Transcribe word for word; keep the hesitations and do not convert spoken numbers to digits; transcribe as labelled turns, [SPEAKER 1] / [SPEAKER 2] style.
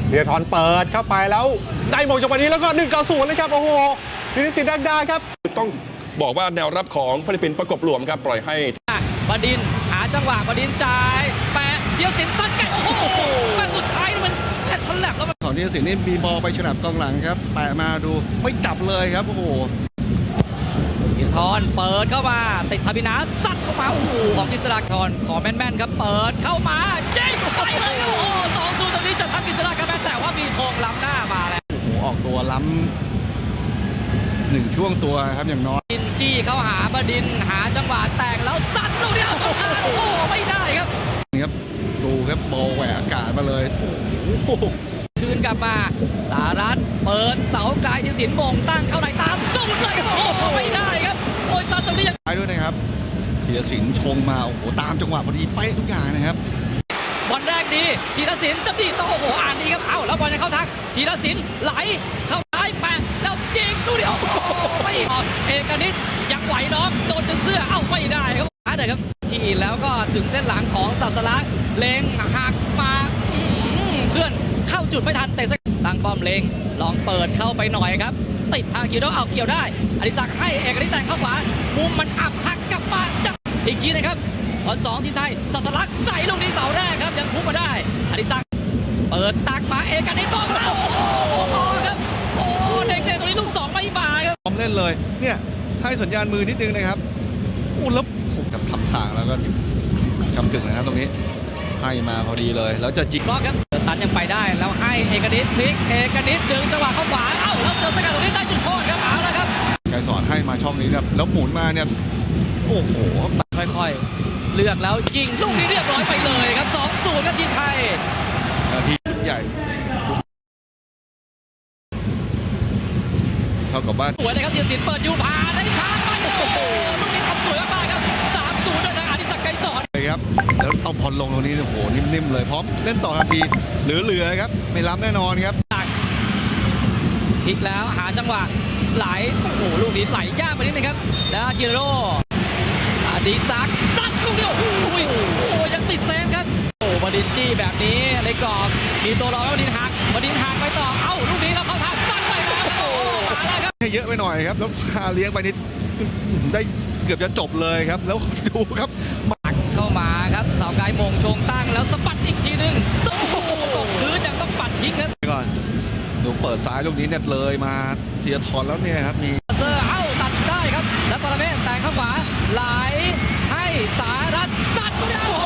[SPEAKER 1] ธีรทรเปิดเข้าไปแล้วได้มงจังหวะนี้แล้วก็หนึ่งต่อศูนย์เลยครับโอ้โหนิติสิทธิ์ดักดาครับ
[SPEAKER 2] ต้องบอกว่าแนวรับของฟิลิปปินส์ประกบหลวมครับปล่อยให้
[SPEAKER 3] บดินหาจังหวะบดินจ่ายแปะเทียสินซัดไก่โอ้โหแปะสุดท้ายนี่มันแค่ฉลับแล้วมัน
[SPEAKER 4] ของทีสินนี่มีบอลไปฉลับกองหลังครับแปะมาดูไม่จับเลยครับโอ้โห
[SPEAKER 3] ธีรทรเปิดเข้ามาติดทบินาซัดเข้ามาโอ้โหของกิษณาธรขอแม่นๆครับเปิดเข้ามายิงไปเลยโอ้โหสองศูนย์ตรงนี้จะทำกิษณาครับแต่ว่ามีธงล้ำหน้ามาแล้ว
[SPEAKER 4] โอ้โหออกตัวล้ำหนึ่งช่วงตัวครับอย่างน้อย
[SPEAKER 3] ดินจี้เข้าหาบดินหาจังหวะแตกแล้วซัดลูกเดียวชนคานโอ้โหไม่ได้ครับ
[SPEAKER 4] นี่ครับดูครับบอลแหวกอากาศมาเลยโอ้โห
[SPEAKER 3] คืนกลับมาสารัตเปิดเสาไกลที่สินมงตั้งเข้าในตามสูดเลยโอ้โหไม่ได้ครับโอ้ยซัดตรงนี้ยัง
[SPEAKER 4] ไปด้วยนะครับธีรศิลป์ชงมาโอ้โหตามจังหวะพอดีไปทุกอย่างนะครับ
[SPEAKER 3] บอลแรกดีธีรศิลป์จะดีต่อโอ้โหอ่านดีครับเอ้าแล้วบอลจะเข้าทางธีรศิลป์ไหลเข้าซ้ายแปะแล้วยิงลูกเดียวไม่ออกเอกนิตยังไหวน้องโดนดึงเสื้อเอ้าไม่ได้ครับหาเลยครับทีแล้วก็ถึงเส้นหลังของศาสลักษณ์เล็งหักมาเพื่อนเข้าจุดไม่ทันเตะตั้งป้อมเล็งลองเปิดเข้าไปหน่อยครับติดทางคิวโดเอาเกี่ยวได้อดิศักดิ์ให้เอกนิตแต่งเข้าขวามุมมันอับหักกลับมาอีกทีนะครับบอลสองทีมไทยศาสลักษณ์ใส่ลูกนี้เสาแรกครับยังทุบมาได้อดิศักดิ์เปิดตักมาเอกนิตบอลมาโอ้โหครับโอ้เด็กๆตรงนี้ลูกสองไม่มาครับ
[SPEAKER 4] พร้อมเล่นเลยเนี่ยให้สัญญาณมือนิดนึงนะครับอู้แล้วผมกับทำทางแล้วก็กำกึ่งนะครับตรงนี้ให้มาพอดีเลยแล้วจะจิก
[SPEAKER 3] ล็อกครับตันยังไปได้แล้วให้เอกนิตพลิกเอกนิตดึงจังหวะเข้าขวาเอ้าแล้วเจอสกัดตรงนี้ได้จุดโทษครับเอาละครับ
[SPEAKER 4] ไกรสอนให้มาช่องนี้ครับแล้วหมุนมาเนี่ยโอ้โห
[SPEAKER 3] ค่อยๆเลือกแล้วยิงลูกนี้เรียบร้อยไปเลยครับ สองศูนย์ ครับทีมไทย
[SPEAKER 4] นาทีใหญ่เท่ากับว่า
[SPEAKER 3] สวยเลยครับธีรศิลป์เปิดยูพาได้ช้าไปโอ้โหลูกนี้ทำสวยมากๆครับ สามศูนย์ โดยทางอดิศักดิ์ไกรสอน
[SPEAKER 4] เลยครับแล้วเอาพอลลงตรงนี้โอ้โหนิ่มๆเลยพร้อมเล่นต่อทันทีเหลือๆครับไม่ล้ำแน่นอนครับ
[SPEAKER 3] พลิกแล้วหาจังหวะไหลโอ้โหลูกนี้ไหลยากไปนิดนึงครับแล้วจิโร่อดิศักดิ์ซัดลูกเดียวโอ้โหโอ้ยังติดเซฟครับโอ้บดินจี้แบบนี้ในกรอบมีตัวรอแล้วบดินหักบดินหักไปต่อเอ้าลูกนี้เราเข้าทางซัดไปแล้วโอ้มาแล้วครับ
[SPEAKER 4] ให้เยอะไปหน่อยครับแล้วพาเลี้ยงไปนิดได้เกือบจะจบเลยครับแล้วดูครับ
[SPEAKER 3] มักเข้ามาครับเสาไกลมงชงตั้งแล้วสะบัดอีกทีนึงโอ้โหตกพื้นยังต้องปัดทิ้งครับ
[SPEAKER 4] ก่อนดูเปิดซ้ายลูกนี้เนี่ยเลยมาธีรทรแล้วเนี่ยครับมี
[SPEAKER 3] เซอร์เอ้าตัดได้ครับแล้วปรเมศแต่งเข้าขวาไหลให้สารัตซัดลูกเดียว